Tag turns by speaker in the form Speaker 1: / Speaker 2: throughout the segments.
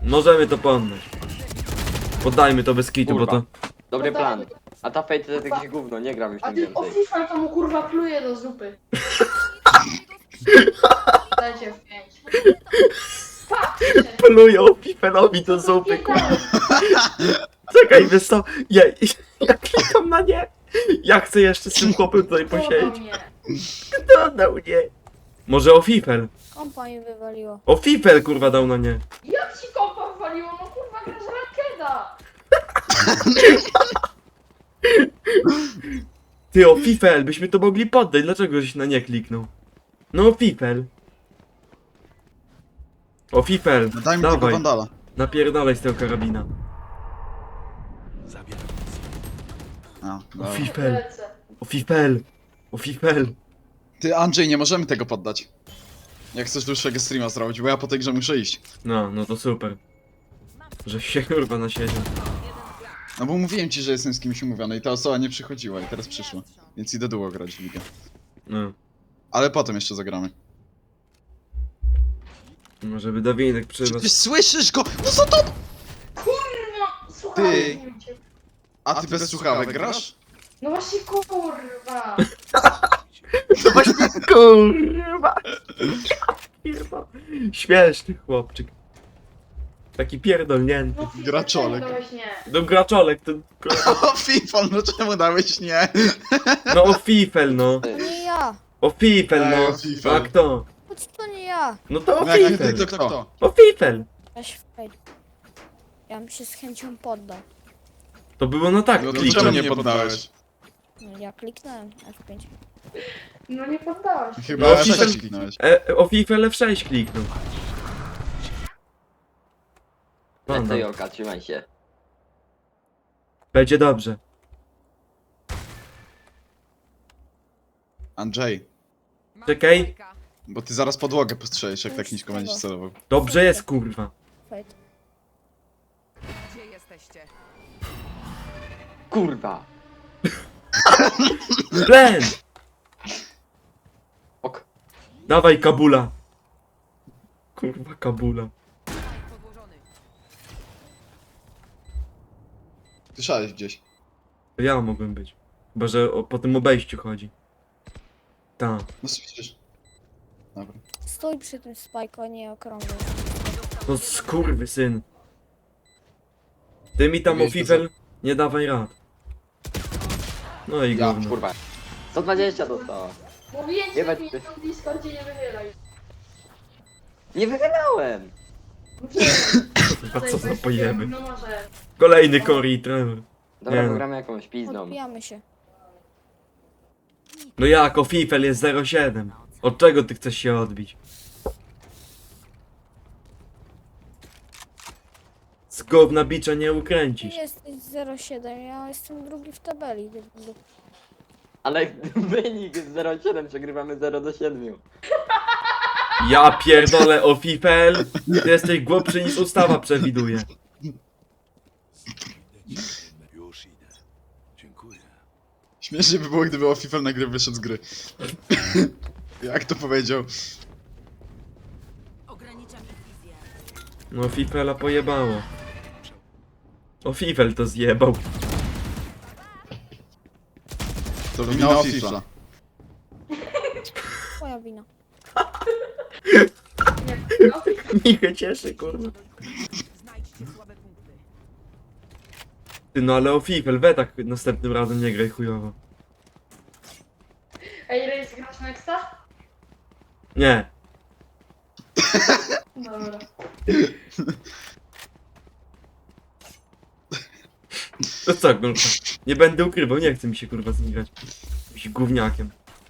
Speaker 1: Możemy to poddać. Poddajmy to bez kitu, bo
Speaker 2: Kurwa.
Speaker 1: to...
Speaker 2: Dobry
Speaker 3: Poddajmy.
Speaker 2: plan. A ta Fate to jest jakieś gówno, nie gram już
Speaker 3: A
Speaker 2: tam
Speaker 3: ty o
Speaker 2: więcej.
Speaker 3: FIFA to mu kurwa pluje do zupy. Dajcie w 5. Patrzcie!
Speaker 1: Plują Fifelowi do zupy, kurwa. Czekaj, wiesz co? Ja klikam na nie. Ja chcę jeszcze z tym chłopem tutaj posiedzieć.
Speaker 3: mnie.
Speaker 1: Kto dał nie? Może o Fifel?
Speaker 4: Kompa mi wywaliło.
Speaker 1: O Fifel, kurwa, dał na nie.
Speaker 3: Jak ci kompa waliło? No kurwa grasz rankeda!
Speaker 1: Ty, o Fifel, byśmy to mogli poddać. Dlaczego żeś na nie kliknął? No o Fifel. O Fifel,
Speaker 5: No daj mi tego
Speaker 1: dawaj.
Speaker 5: Wandala.
Speaker 1: Napierdalaj z tego karabina.
Speaker 5: A,
Speaker 1: O
Speaker 5: dobra.
Speaker 1: Fifel,
Speaker 3: Lecę.
Speaker 1: o Fifel, o Fifel.
Speaker 5: Ty Andrzej, nie możemy tego poddać. Jak chcesz dłuższego streama zrobić, bo ja po tej grze muszę iść.
Speaker 1: No to super. Że się kurwa nasiedział.
Speaker 5: No bo mówiłem ci, że jestem z kimś umówiony i ta osoba nie przychodziła i teraz przyszła. Więc idę długo grać w ligę.
Speaker 1: No.
Speaker 5: Ale potem jeszcze zagramy.
Speaker 1: Może by Dawinek
Speaker 5: Czy
Speaker 1: przyszedł.
Speaker 5: ty słyszysz go? No co to?
Speaker 3: Kurwa! Słuchaj,
Speaker 5: Ty.
Speaker 3: nie wiem cię.
Speaker 5: A ty bez słuchawek grasz?
Speaker 3: No właśnie kurwa!
Speaker 1: To właśnie kurwa. Kurwa. Śmieszny chłopczyk. Taki pierdolnięty.
Speaker 3: No FIFA,
Speaker 5: Graczolek.
Speaker 3: czemu dałeś nie?
Speaker 1: No graczolek to kurwa.
Speaker 5: O Fifol, no czemu dałeś nie?
Speaker 1: No o Fifel no.
Speaker 4: To nie ja.
Speaker 1: O Fifel
Speaker 5: Ej,
Speaker 1: no.
Speaker 5: o Fifel.
Speaker 1: A kto?
Speaker 4: Chodź, to nie ja.
Speaker 1: No to o
Speaker 5: No jak nie ty,
Speaker 1: Fifel.
Speaker 5: to kto?
Speaker 1: O Fifel.
Speaker 4: Weź fajl. Ja bym się z chęcią poddał.
Speaker 1: To było no tak
Speaker 5: No to
Speaker 1: kliknąć.
Speaker 5: czemu nie poddałeś?
Speaker 4: No, ja kliknąłem F5.
Speaker 3: No nie poddałeś.
Speaker 5: Chyba
Speaker 1: No,
Speaker 5: F6
Speaker 1: Fifel-
Speaker 5: kliknąłeś.
Speaker 1: O Fifel F6 kliknął. Wanda.
Speaker 2: Lecę Jolka, trzymaj się.
Speaker 1: Będzie dobrze.
Speaker 5: Andrzej,
Speaker 1: Czekaj.
Speaker 5: bo ty zaraz podłogę postrzelisz, jak tak nisko będziesz celował.
Speaker 1: Dobrze jest kurwa.
Speaker 4: Fajt.
Speaker 6: Gdzie jesteście?
Speaker 2: Kurwa!
Speaker 1: Len!
Speaker 2: Ok.
Speaker 1: Dawaj Kabula. Kurwa Kabula.
Speaker 6: Podłożony.
Speaker 5: Słyszałeś gdzieś.
Speaker 1: To ja mogłem być. Chyba, że po tym obejściu chodzi. Tak.
Speaker 5: No słyszysz. Dobra.
Speaker 4: Stój przy tym spajku, a nie okrągły.
Speaker 1: No skurwy syn. Ty mi tam o
Speaker 5: Wiesz, to
Speaker 1: Fifel nie dawaj rad. No i
Speaker 5: Ja,
Speaker 1: gówno.
Speaker 2: Kurwa. 120 dostała.
Speaker 3: Mówiłem ci,
Speaker 2: Nie
Speaker 3: że
Speaker 2: we-
Speaker 3: mi na tym Discordzie nie wychylaj.
Speaker 2: Nie wychylałem!
Speaker 1: A co za pojemy.
Speaker 3: No może.
Speaker 1: Kolejny Cory i Trevor.
Speaker 2: Dobra,
Speaker 1: Nie no.
Speaker 2: pogramy jakąś pizdą.
Speaker 4: Odbijamy się.
Speaker 1: No jak, o Fifel jest 0,7. Od czego ty chcesz się odbić? Z gówna bicza nie
Speaker 4: Ty
Speaker 1: ukręcisz.
Speaker 4: jesteś 0,7, ja jestem drugi w tabeli.
Speaker 2: Ale wynik jest 0,7, przegrywamy 0 do 7.
Speaker 1: Ja pierdolę o Fifel. Ty jesteś głupszy niż ustawa przewiduje.
Speaker 7: Już idę. Dziękuję.
Speaker 5: Śmiesznie by było, gdyby Ofifel nagle wyszedł z gry. Jak to powiedział?
Speaker 6: Ograniczam ich wizję.
Speaker 1: No Fifela pojebało. O Fifel to zjebał.
Speaker 5: To wina Ofifla.
Speaker 4: Twoja wina.
Speaker 3: Nie. No,
Speaker 1: Michę cieszy, kurwa.
Speaker 6: Znajdźcie słabe punkty.
Speaker 1: Ty no ale o Fifel, we tak następnym razem nie graj chujowo.
Speaker 3: Ej, Rejs, grasz Nexta?
Speaker 1: Nie.
Speaker 3: Dobra.
Speaker 1: To co, kurwa? Nie będę ukrywał, nie chce mi się kurwa z nim grać. Jakimś gówniakiem.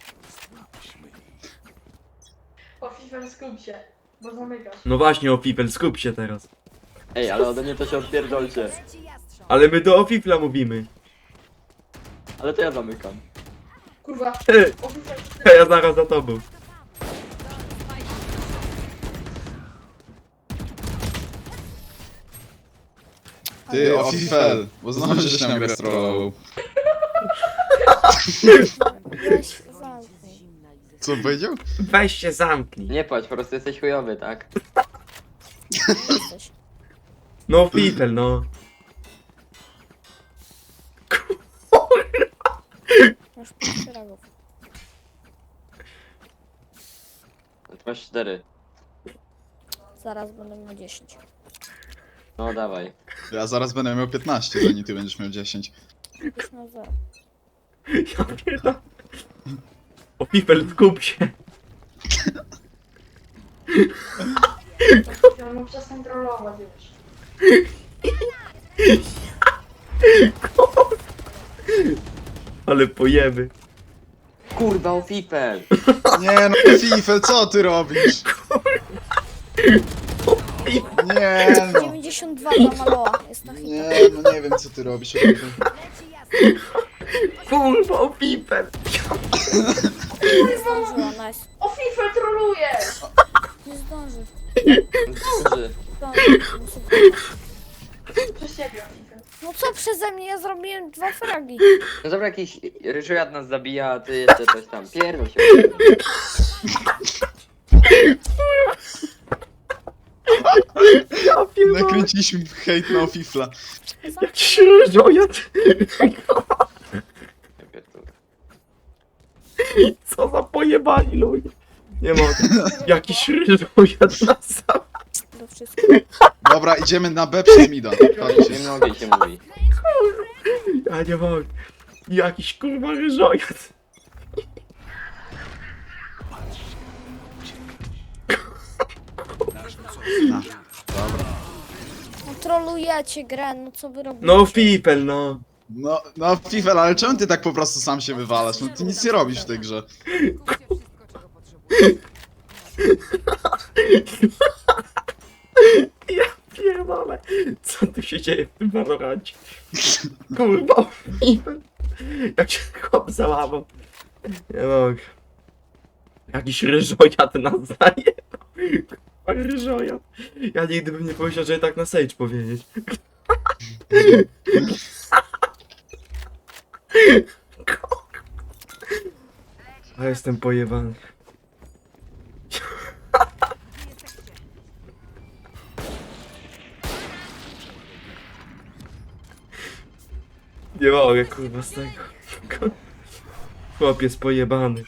Speaker 3: O FIFA skup się, bo zamykasz.
Speaker 1: No właśnie o Fifel, skup się teraz.
Speaker 2: Ej, ale ode mnie to się odpierdolcie.
Speaker 1: Ale my do o Fifla mówimy.
Speaker 2: Ale to ja zamykam.
Speaker 3: Kurwa.
Speaker 1: Ty,
Speaker 3: O FIFA
Speaker 1: ja zaraz za tobą.
Speaker 5: Ty, Ofifel, bo znowu żeś nam grę strollował.
Speaker 4: Weź, zamknij.
Speaker 5: Co powiedział?
Speaker 1: Weź się zamknij.
Speaker 2: Nie płacz, po prostu jesteś chujowy, tak?
Speaker 4: Jesteś.
Speaker 1: No Fifel, no.
Speaker 4: Masz 5 fragów.
Speaker 2: Masz 4.
Speaker 4: Zaraz będę miał 10.
Speaker 2: No dawaj.
Speaker 5: Ja zaraz będę miał 15, zanim ty będziesz miał 10.
Speaker 4: Już na 0.
Speaker 1: Ja pierdolę. O Fifel, skup się.
Speaker 3: Ja mu przestań trollować już.
Speaker 1: Ale pojemy.
Speaker 2: Kurwa, o Fifel!
Speaker 5: Nie no, Fifel, co ty robisz? Nie no.
Speaker 4: 92 dla Maloa. Jest na hita.
Speaker 5: Nie, no nie wiem co ty robisz. Fifel.
Speaker 1: Kurwa, o Fifel.
Speaker 4: Nie zdążyła, nice.
Speaker 3: O, FIFA troluje!
Speaker 4: Nie zdąży.
Speaker 2: Zdąży.
Speaker 4: Muszę wyjść.
Speaker 3: Przez ciebie, o FIFA.
Speaker 4: No co przeze mnie? Ja zrobiłem 2 fragi.
Speaker 2: No dobra, jakiś ryżojad nas zabija, a ty jeszcze coś tam. Pierdol się.
Speaker 1: Ja pierdolę.
Speaker 5: Nakręciliśmy hejt na Fifla.
Speaker 1: Jakiś ryżojad.
Speaker 2: Ja pierdolę.
Speaker 1: Co za pojebani ludzie. Nie mogę. Jakiś ryżojad na sam.
Speaker 4: Do wszystkiego.
Speaker 5: Dobra, idziemy na B przez mida. Chodźcie.
Speaker 2: Nie mogę się mówi.
Speaker 1: Ja nie mogę. Jakiś kurwa ryżojad.
Speaker 4: No trolujecie grę, no co wy robicie?
Speaker 1: No Fifel, no.
Speaker 5: No Fifel, ale czemu ty tak po prostu sam się wywalasz? No ty nic nie robisz w tej grze.
Speaker 6: Kupcie wszystko, czego potrzebujecie.
Speaker 1: Ja pierdolę. Co tu się dzieje w tym Valorancie? Kurwa, Fifel. Jak się chłop załamał. Nie mogę. Jakiś ryżojad nas zajebał. Kurwa, ryżojad. Ja nigdy bym nie powiedział, że tak na Sage powiedzieć. A jestem pojebany. Nie mogę, kurwa, z tego. Chłop jest pojebany.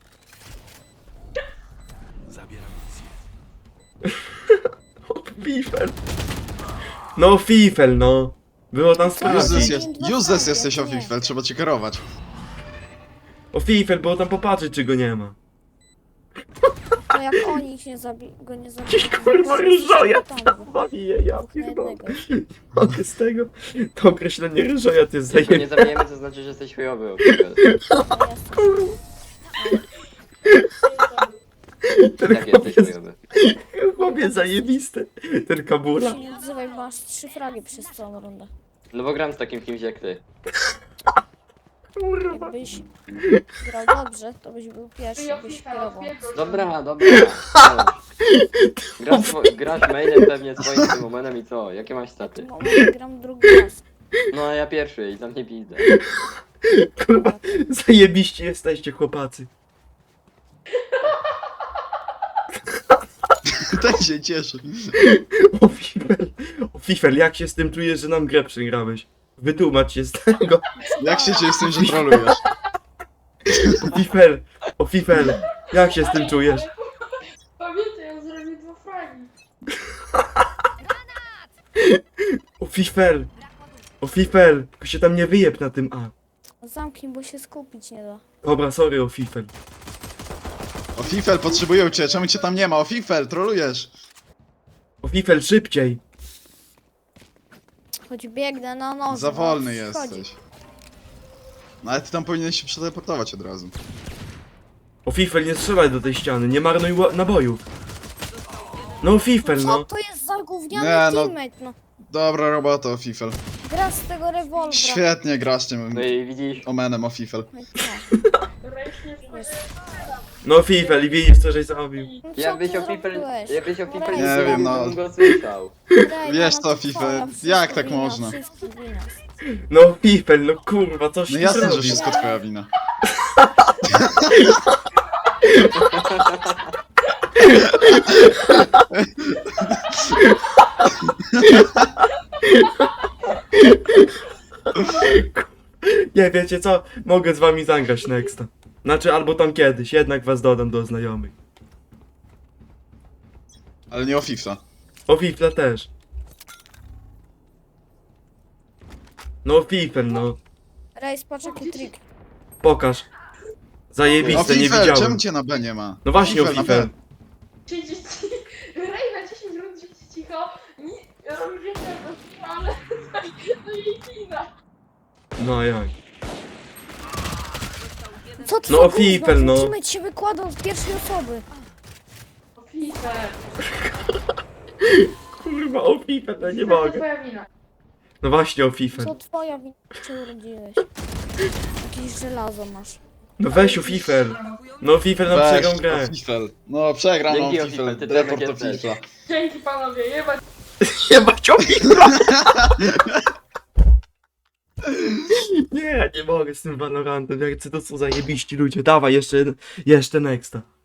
Speaker 7: Zabieram misję.
Speaker 1: O, Fifel. No, Fifel, no. Było tam
Speaker 5: Useless,
Speaker 1: sprawdzić.
Speaker 5: useless jesteś o Fifel, trzeba cię kierować.
Speaker 1: O, Fifel, było tam popatrzeć, czy go nie ma.
Speaker 4: To jak oni ich nie go nie zabiją.
Speaker 1: Jakiś
Speaker 4: to
Speaker 1: kurwa
Speaker 4: zaraz
Speaker 1: ryżojad
Speaker 4: tam
Speaker 1: tam zabije, ja
Speaker 4: dwóch na
Speaker 1: pierdolę.
Speaker 4: jednego.
Speaker 1: Mogę z tego? To określenie ryżojad jest
Speaker 2: Jak go nie
Speaker 1: zajebane.
Speaker 2: zabijemy, to znaczy, że jesteś chujowy, o Fifel.
Speaker 4: No jest.
Speaker 1: Ten
Speaker 2: Jak
Speaker 1: chłop
Speaker 2: jesteś
Speaker 1: jest,
Speaker 2: chujowy.
Speaker 1: chłop jest zajebisty. Ten kabula.
Speaker 4: Się nie odzywaj, bo masz 3 fragi przez całą rundę.
Speaker 2: No bo gram z takim kimś jak ty.
Speaker 1: Kurwa.
Speaker 4: Jakbyś grał dobrze, to byś był pierwszy,
Speaker 3: Ty, o
Speaker 4: byś
Speaker 3: FIFA,
Speaker 4: kierował.
Speaker 3: odpierdol.
Speaker 2: Dobra, dobra. Co? Grasz mailem pewnie swoim tym momentem i co? Jakie masz staty?
Speaker 4: No, ja gram drugi raz.
Speaker 2: No a ja pierwszy i tam nie pizdę.
Speaker 1: Kurwa, zajebiście jesteście, chłopacy.
Speaker 5: Ten się cieszy.
Speaker 1: O Fifel, jak się z tym czujesz, że nam grę przegrałeś? Wytłumacz się z tego.
Speaker 5: Jak się czujesz z tym, że trolujesz?
Speaker 1: O Fifel, jak się z tym czujesz?
Speaker 3: Pamiętaj, on zrobił 2 fragi.
Speaker 1: O Fifel, tylko się tam nie wyjeb na tym A.
Speaker 4: Zamknij, bo się skupić nie da.
Speaker 1: Dobra, sorry, o Fifel.
Speaker 5: O Fifel, potrzebują cię, czemu cię tam nie ma? O Fifel, trolujesz.
Speaker 1: O Fifel, szybciej.
Speaker 4: Choć biegnę na noże.
Speaker 5: Za wolny
Speaker 4: no,
Speaker 5: jesteś. No ale ty tam powinieneś się przeteleportować od razu.
Speaker 1: O Fifel, nie strzelaj do tej ściany, nie marnuj nabojów. No Fifel,
Speaker 4: Co
Speaker 1: no.
Speaker 4: to jest za gówniany
Speaker 5: Nie, no.
Speaker 4: teammate, no.
Speaker 5: Dobra robota o Fifel.
Speaker 4: Gra z tego rewolwera.
Speaker 5: Świetnie grasz tym
Speaker 2: No i widzisz,
Speaker 5: omenem o Fifel.
Speaker 4: No i co?
Speaker 3: Dobra, już nie wchodź.
Speaker 1: No Fifel, i widzisz co żeś zrobił.
Speaker 4: No co
Speaker 2: jakbyś
Speaker 4: ty
Speaker 2: o Fifel,
Speaker 4: zrobiłeś?
Speaker 2: jakbyś o Fifel
Speaker 4: Nie
Speaker 2: nie
Speaker 5: wiem, no.
Speaker 2: zrobił, bym go słyszał.
Speaker 4: Rejna,
Speaker 5: Wiesz
Speaker 4: no
Speaker 5: co,
Speaker 4: to
Speaker 5: FIFA,
Speaker 4: twoja, wszystko
Speaker 5: jak tak
Speaker 4: wina,
Speaker 5: można?
Speaker 4: wszystko wina.
Speaker 1: No Fifel, no kurwa, coś
Speaker 5: No
Speaker 1: ty
Speaker 5: jasne, że
Speaker 1: zrobił.
Speaker 5: wszystko twoja wina.
Speaker 1: Nie, wiecie co? Mogę z wami zagrać nexta. Znaczy, albo tam kiedyś, jednak was dodam do znajomych.
Speaker 5: Ale nie o FIFA.
Speaker 1: O FIFA też. No o FIFA, no.
Speaker 4: Rejs, patrz jaki trik.
Speaker 1: Pokaż.
Speaker 5: O
Speaker 1: Zajebiste, nie
Speaker 5: FIFA,
Speaker 1: widziałem.
Speaker 5: czemu cię na B nie ma?
Speaker 1: No właśnie o
Speaker 5: na
Speaker 1: FIFA.
Speaker 5: B.
Speaker 3: Siedzieć Rejna 10 rund siedzi cicho. Ja robię jednego, ale to jej kina.
Speaker 1: No jak?
Speaker 4: Co ty
Speaker 1: No,
Speaker 4: za
Speaker 1: o FIFA,
Speaker 4: gówno?
Speaker 1: no.
Speaker 4: Teammate się wykładał z pierwszej osoby.
Speaker 3: O FIFA.
Speaker 1: Kurwa, o FIFA, no nie
Speaker 3: To
Speaker 1: mogę.
Speaker 3: twoja wina.
Speaker 1: No właśnie o FIFA.
Speaker 4: Co twoja wina się urodziłeś? Jakieś żelazo masz.
Speaker 1: No weź o FIFA. No FIFA nam
Speaker 5: Weź,
Speaker 1: przegrał
Speaker 5: o
Speaker 1: grę.
Speaker 5: FIFA. No przegram
Speaker 2: Dzięki,
Speaker 5: o
Speaker 2: o
Speaker 5: FIFA.
Speaker 2: FIFA, ty
Speaker 5: Report
Speaker 2: Tomek
Speaker 5: o
Speaker 2: jesteś.
Speaker 5: FIFA.
Speaker 3: Dzięki panowie, jebać.
Speaker 1: Jebać o FIFA! Nie, nie mogę z tym Valorantem. Jak to są zajebiści ludzie. Dawaj, jeszcze nexta.